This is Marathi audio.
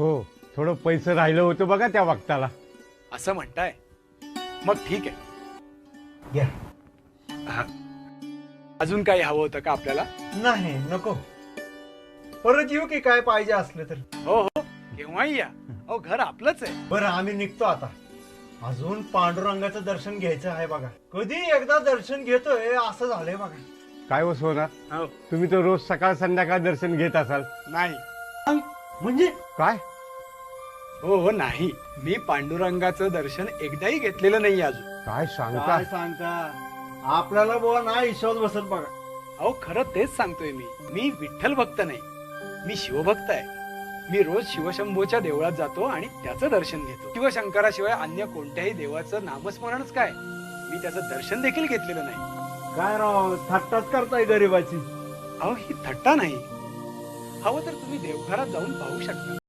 हो, थोडं पैसे राहिलं होतं बघा त्या वक्ताला. असं म्हणताय? मग ठीक आहे. घ्या. हा. अजून काही हवं होतं का आपल्याला? नाही नको. परत येऊ की काय पाहिजे असलं तर. हो हो, केव्हाही या. अहो, घर आपलंच आहे. बरं आम्ही निघतो आता. अजून पांडुरंगाचं दर्शन घ्यायचं आहे बघा. कधी एकदा दर्शन घेतोय असं झालंय बघा. काय हो सोना, हो. तुम्ही तर रोज सकाळ संध्याकाळ दर्शन घेत असाल. नाही. म्हणजे काय? हो हो, नाही. मी पांडुरंगाचं दर्शन एकदाही घेतलेलं नाही अजून. काय सांगता? काय सांगता आपल्याला बुवा नाही विश्वास बसत बघा. अहो, खरं तेच सांगतोय मी. मी विठ्ठल भक्त नाही, मी शिवभक्त आहे. मी रोज शिवशंभूच्या देवळात जातो आणि त्याचं दर्शन घेतो. शिवशंकराशिवाय अन्य कोणत्याही देवाचं नामस्मरणच काय, मी त्याचं दर्शन देखील घेतलेलं नाही. काय राव थट्टाच करताय गरीबाची. अहो, ही थट्टा नाही. हवं तर तुम्ही देवघरात जाऊन पाहू शकता.